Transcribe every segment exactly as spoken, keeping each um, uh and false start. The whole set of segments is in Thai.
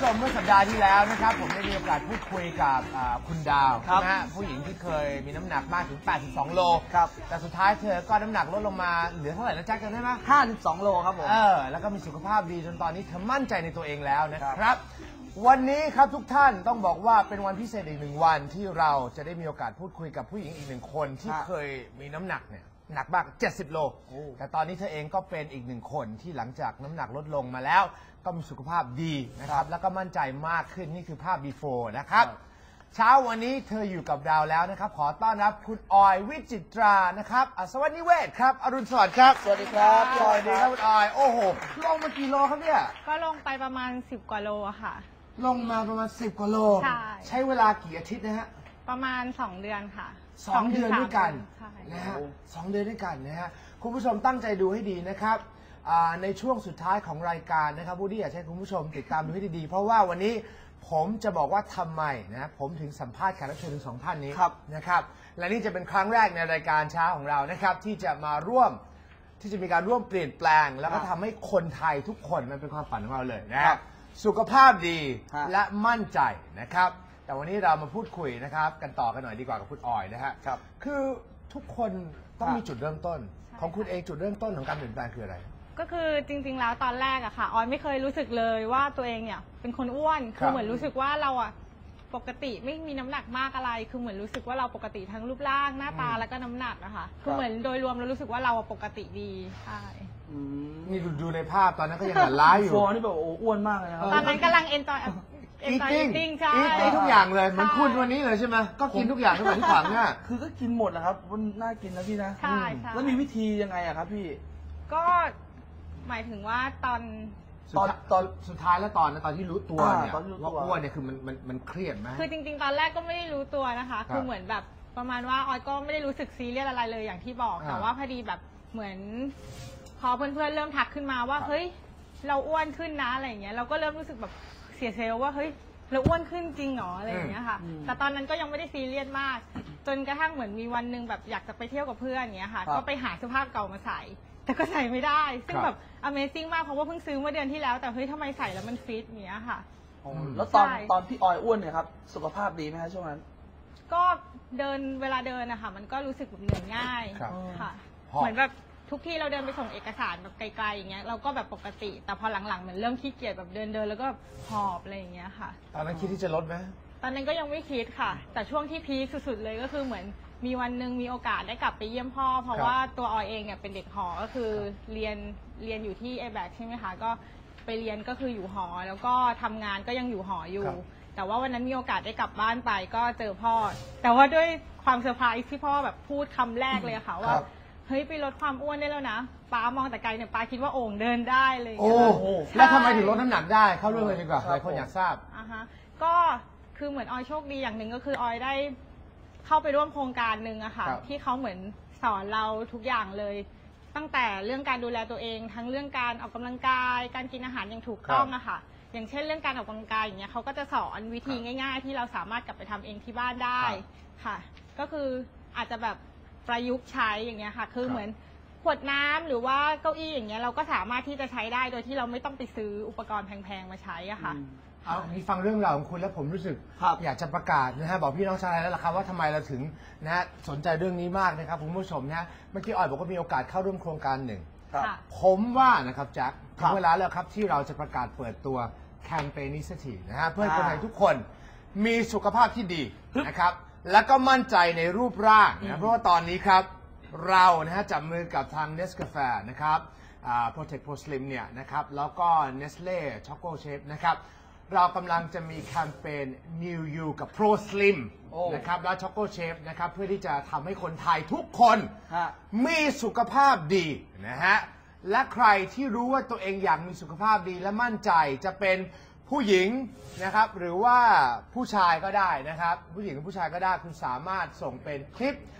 มเมื่อสัปดาห์ที่แล้วนะครับผมได้มีโอกาสพูดคุยกับคุณดาวนะฮะผู้หญิงที่เคยมีน้ำหนักมากถึงแปดสิบสองโลครับแต่สุดท้ายเธอก็น้ำหนักลดลงมาเหลือเท่าไหร่นะแจ็คจำได้ไหมห้าสิบสองโลครับผมเออแล้วก็มีสุขภาพดีจนตอนนี้เธอมั่นใจในตัวเองแล้วนะครับวันนี้ครับทุกท่านต้องบอกว่าเป็นวันพิเศษอีกหนึ่งวันที่เราจะได้มีโอกาสพูดคุยกับผู้หญิงอีกหนึ่งคนที่เคยมีน้ำหนักเนี่ยหนักมากเจ็ดสิบโลแต่ตอนนี้เธอเองก็เป็นอีกหนึ่งคนที่หลังจากน้ำหนักลดลงมาแล้วก็มีสุขภาพดีนะครับแล้วก็มั่นใจมากขึ้นนี่คือภาพ before นะครับเช้าวันนี้เธออยู่กับเราแล้วนะครับขอต้อนรับคุณออยวิจิตรานะครับสวัสดีเวทครับอรุณสวัสดิ์ครับสวัสดีครับสวัสดีครับคุณออยโอ้โหลงมากี่โลครับเนี่ยก็ลงไปประมาณสิบกว่าโลค่ะลงมาประมาณสิบกว่าโลใช่ใช้เวลากี่อาทิตย์นะฮะประมาณสองเดือนค่ะสองเดือนด้วยกันนะฮะสองเดือนด้วยกันนะฮะคุณผู้ชมตั้งใจดูให้ดีนะครับในช่วงสุดท้ายของรายการนะครับวูดดี้อยากให้คุณผู้ชมติดตามดูให้ดีๆเพราะว่าวันนี้ผมจะบอกว่าทำไมนะผมถึงสัมภาษณ์แขกรับเชิญถึงสองท่านนี้นะครับและนี่จะเป็นครั้งแรกในรายการเช้าของเรานะครับที่จะมาร่วมที่จะมีการร่วมเปลี่ยนแปลงแล้วก็ทำให้คนไทยทุกคนมันเป็นความฝันของเราเลยนะครับสุขภาพดีและมั่นใจนะครับแต่วันนี้เรามาพูดคุยนะครับกันต่อกันหน่อยดีกว่ากับคุณออยนะฮะคือทุกคนต้องมีจุดเริ่มต้นของคุณเองจุดเริ่มต้นของการเปลี่ยนแปลงคืออะไรก็คือจริงๆแล้วตอนแรกอะค่ะออยไม่เคยรู้สึกเลยว่าตัวเองเนี่ยเป็นคนอ้วนคือเหมือนรู้สึกว่าเราอะปกติไม่มีน้ำหนักมากอะไรคือเหมือนรู้สึกว่าเราปกติทั้งรูปร่างหน้าตาแล้วก็น้ำหนักอะค่ะคือเหมือนโดยรวมเรารู้สึกว่าเราปกติดีใช่นี่ดูในภาพตอนนั้นก็ยังหันร้ายอยู่ฟอนี่แบบโอ้อ้วนมากเลยนะตอนนั้นกำลังเอนจอยอีติ้งใช่อีทุกอย่างเลยเหมือนคุณวันนี้เลยใช่ไหมก็กินทุกอย่างทุกอย่างที่ขวางหน้าคือก็กินหมดนะครับมันน่ากินนะพี่นะใช่ใช่แล้วมีวิธียังไงอะครับพี่ก็หมายถึงว่าตอนตอนตอนสุดท้ายแล้วตอนตอนที่รู้ตัวเนี่ยว่าอ้วนเนี่ยคือมันมันมันเครียดไหมคือจริงๆตอนแรกก็ไม่ได้รู้ตัวนะคะคือเหมือนแบบประมาณว่าออยก็ไม่ได้รู้สึกซีเรียสอะไรเลยอย่างที่บอกแต่ว่าพอดีแบบเหมือนพอเพื่อนๆเริ่มทักขึ้นมาว่าเฮ้ยเราอ้วนขึ้นนะอะไรอย่างเงี้ยเราก็เริ่มรู้สึกแบบเสียเซลล์ว่าเฮ้ยเราอ้วนขึ้นจริงเหรออะไรอย่างเงี้ยค่ะแต่ตอนนั้นก็ยังไม่ได้ซีเรียสมากจนกระทั่งเหมือนมีวันหนึ่งแบบอยากจะไปเที่ยวกับเพื่อนอย่างเงี้ยค่ะก็ไปหาเสื้อผ้าเก่ามาใส่แต่ก็ใส่ไม่ได้ซึ่งแบบ Amazing มากเพราะว่าเพิ่งซื้อเมื่อเดือนที่แล้วแต่เฮ้ยทำไมใส่แล้วมันฟิตอย่างเงี้ยค่ะแล้วตอนตอนพี่ออยอ้วนเนี่ยครับสุขภาพดีไหมคะช่วงนั้นก็เดินเวลาเดินนะคะมันก็รู้สึกแบบเหนื่อยง่ายค่ะเหมือนแบบทุกที่เราเดินไปส่งเอกสารแบบไกลๆอย่างเงี้ยเราก็แบบปกติแต่พอหลังๆเหมือนเริ่มขี้เกียจแบบเดินเดินแล้วก็หอบอะไรอย่างเงี้ยค่ะตอนนั้นคิดที่จะลดไหมตอนนั้นก็ยังไม่คิดค่ะแต่ช่วงที่พีคสุดๆเลยก็คือเหมือนมีวันหนึ่งมีโอกาสได้กลับไปเยี่ยมพ่อเพราะว่าตัวออยเองเนี่ยเป็นเด็กหอก็คือเรียนเรียนอยู่ที่ เอ แบค ใช่ไหมคะก็ไปเรียนก็คืออยู่หอแล้วก็ทำงานก็ยังอยู่หออยู่แต่ว่าวันนั้นมีโอกาสได้กลับบ้านไปก็เจอพ่อแต่ว่าด้วยความเซอร์ไพรส์ที่พ่อแบบพูดคำแรกเลยค่ะว่าเฮ้ยไปลดความอ้วนได้แล้วนะป้ามองแต่ไกลเนี่ยป้าคิดว่าโอ่งเดินได้เลยโอ้โหแล้วทำไมถึงลดน้ำหนักได้เข้าเรื่องเลยดีกว่าหลายคนอยากทราบอ่ะฮะก็คือเหมือนออยโชคดีอย่างหนึ่งก็คือออยได้เข้าไปร่วมโครงการหนึ่งอะค่ะที่เขาเหมือนสอนเราทุกอย่างเลยตั้งแต่เรื่องการดูแลตัวเองทั้งเรื่องการออกกำลังกายการกินอาหารอย่างถูกต้องอะค่ะอย่างเช่นเรื่องการออกกำลังกายอย่างเงี้ยเขาก็จะสอนวิธีง่ายๆที่เราสามารถกลับไปทำเองที่บ้านได้ค่ะก็คืออาจจะแบบประยุกต์ใช้อย่างเงี้ยค่ะคือเหมือนขวดน้ำหรือว่าเก้าอี้อย่างเงี้ยเราก็สามารถที่จะใช้ได้โดยที่เราไม่ต้องไปซื้ออุปกรณ์แพงๆมาใช้อะค่ะเอามีฟังเรื่องราวของคุณแล้วผมรู้สึกอยากจะประกาศนะฮะบอกพี่น้องชาวไทยแล้วล่ะครับว่าทำไมเราถึงนะฮะสนใจเรื่องนี้มากนะครับคุณผู้ชมนะฮะเมื่อกี้ออยบอกว่ามีโอกาสเข้าร่วมโครงการหนึ่งผมว่านะครับแจ็คถึงเวลาแล้วครับที่เราจะประกาศเปิดตัวแคมเปญนี้สักทีนะฮะเพื่อให้คนไทยทุกคนมีสุขภาพที่ดีนะครับและก็มั่นใจในรูปร่างนะเพราะว่าตอนนี้ครับเรานะฮะจับมือกับทาง Nescafe นะครับ Protect Pro Slim เนี่ยนะครับแล้วก็ Nestle Choco Shape นะครับเรากำลังจะมีแคมเปญ New You กับ Pro Slim นะครับและ Choco Shape นะครับเพื่อที่จะทำให้คนไทยทุกคนมีสุขภาพดีนะฮะและใครที่รู้ว่าตัวเองอยากมีสุขภาพดีและมั่นใจจะเป็นผู้หญิงนะครับหรือว่าผู้ชายก็ได้นะครับผู้หญิงกับผู้ชายก็ได้คุณสามารถส่งเป็นคลิป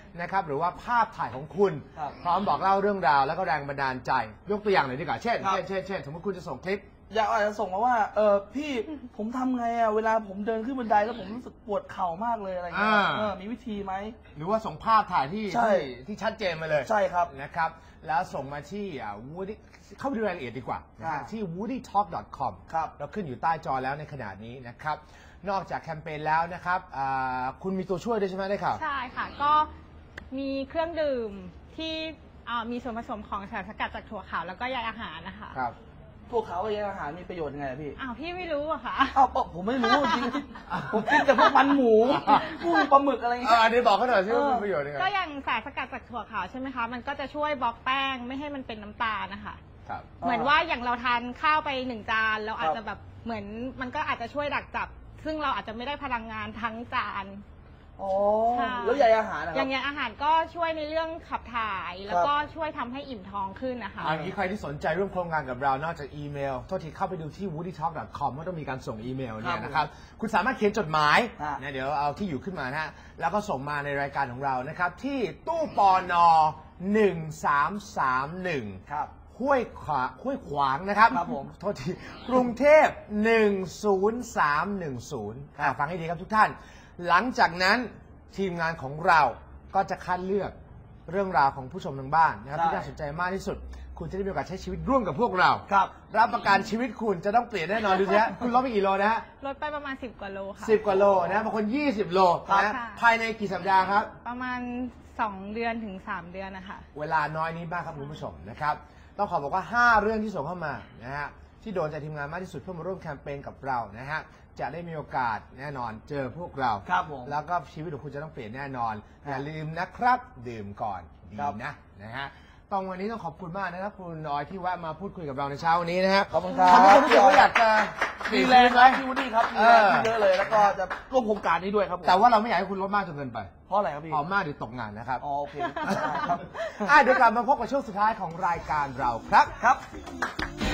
นะครับหรือว่าภาพถ่ายของคุณพร้อมบอกเล่าเรื่องราวแล้วก็แรงบันดาลใจยกตัวอย่างหน่อยดีกว่าเช่นเช่นเช่นเช่นสมมติคุณจะส่งคลิปอยากอาจจะส่งมาว่าเออพี่ผมทำไงอ่ะเวลาผมเดินขึ้นบันไดแล้วผมรู้สึกปวดเข่ามากเลยอะไรเงี้ยเออมีวิธีไหมหรือว่าส่งภาพถ่ายที่ที่ที่ชัดเจนมาเลยใช่ครับนะครับแล้วส่งมาที่ Woody เข้าไปดูรายละเอียดดีกว่าที่ วูดดี้ท็อก ดอท คอม เราขึ้นอยู่ใต้จอแล้วในขณะนี้นะครับนอกจากแคมเปญแล้วนะครับคุณมีตัวช่วยด้วยใช่ไหมได้ข่าวใช่ค่ะก็มีเครื่องดื่มที่มีส่วนผสมของสารสกัดจากถั่วขาวแล้วก็ใยอาหารนะคะครับถั่วขาวกับใยอาหารมีประโยชน์ยังไงพี่อ้าวพี่ไม่รู้อะค่ะอ้าวผมไม่รู้จริงผมกินแต่พวกมันหมูกุ้งปลาหมึกอะไรอย่างเงี้ยอันนี้บอกเขาหน่อยสิว่ามีประโยชน์ยังไงก็อย่างสารสกัดจากถั่วขาวใช่ไหมคะมันก็จะช่วยบล็อกแป้งไม่ให้มันเป็นน้ำตาลนะคะเหมือนว่าอย่างเราทานข้าวไปหนึ่งจานเราอาจจะแบบเหมือนมันก็อาจจะช่วยดักจับซึ่งเราอาจจะไม่ได้พลังงานทั้งจานอ๋อแล้วใยอาหารอย่างใยอาหารก็ช่วยในเรื่องขับถ่ายแล้วก็ช่วยทำให้อิ่มท้องขึ้นนะคะอันนี้ใครที่สนใจร่วมโครงการกับเรานอกจากอีเมลโทษทีเข้าไปดูที่ วูดดี้ท็อก ดอท คอม ก็ต้องมีการส่งอีเมลเนี่ยนะครับคุณสามารถเขียนจดหมายนะเดี๋ยวเอาที่อยู่ขึ้นมานะฮะแล้วก็ส่งมาในรายการของเรานะครับที่ตู้ปนหนึ่งสามสามหนึ่งครับห้วยขวาห้วยขวางนะครับครับผมโทษทีกรุงเทพหนึ่งศูนย์สามหนึ่งศูนย์ฟังให้ดีครับทุกท่านหลังจากนั้นทีมงานของเราก็จะคัดเลือกเรื่องราวของผู้ชมทางบ้านนะครับที่น่าสนใจมากที่สุดคุณจะได้มีโอกาสใช้ชีวิตร่วมกับพวกเราครับรับประกันชีวิตคุณจะต้องเปลี่ยนแน่นอนดูสิฮะคุณลดไปกี่โลนะฮะลดไปประมาณสิบกว่าโลค่ะสิบกว่าโลนะบางคนยี่สิบโลนะภายในกี่สัปดาห์ครับประมาณสองเดือนถึงสามเดือนนะคะเวลาน้อยนิดมากครับคุณผู้ชมนะครับต้องขอบอกว่าห้าเรื่องที่ส่งเข้ามานะฮะที่โดนใจทีมงานมากที่สุดเพื่อมาร่วมแคมเปญกับเรานะฮะจะได้มีโอกาสแน่นอนเจอพวกเราครับผมแล้วก็ชีวิตของคุณจะต้องเปลี่ยนแน่นอนอย่าลืมนะครับดื่มก่อนดีนะนะฮะต้องวันนี้ต้องขอบคุณมากนะครับคุณน้อยที่แวะมาพูดคุยกับเราในเช้าวันนี้นะฮะขอบคุณครับทำให้คนรู้สึกว่าอยากจะมีแรงไหมพี่วูดดี้ครับมีแรงเยอะเลยแล้วก็จะร่วมโครงการนี้ด้วยครับแต่ว่าเราไม่อยากให้คุณลดมากจนเกินไปเพราะอะไรครับพี่พอมากเดี๋ยวตกงานนะครับอ๋อโอเคครับเดี๋ยวกลับมาพบกับช่วงสุดท้ายของรายการเราครับครับ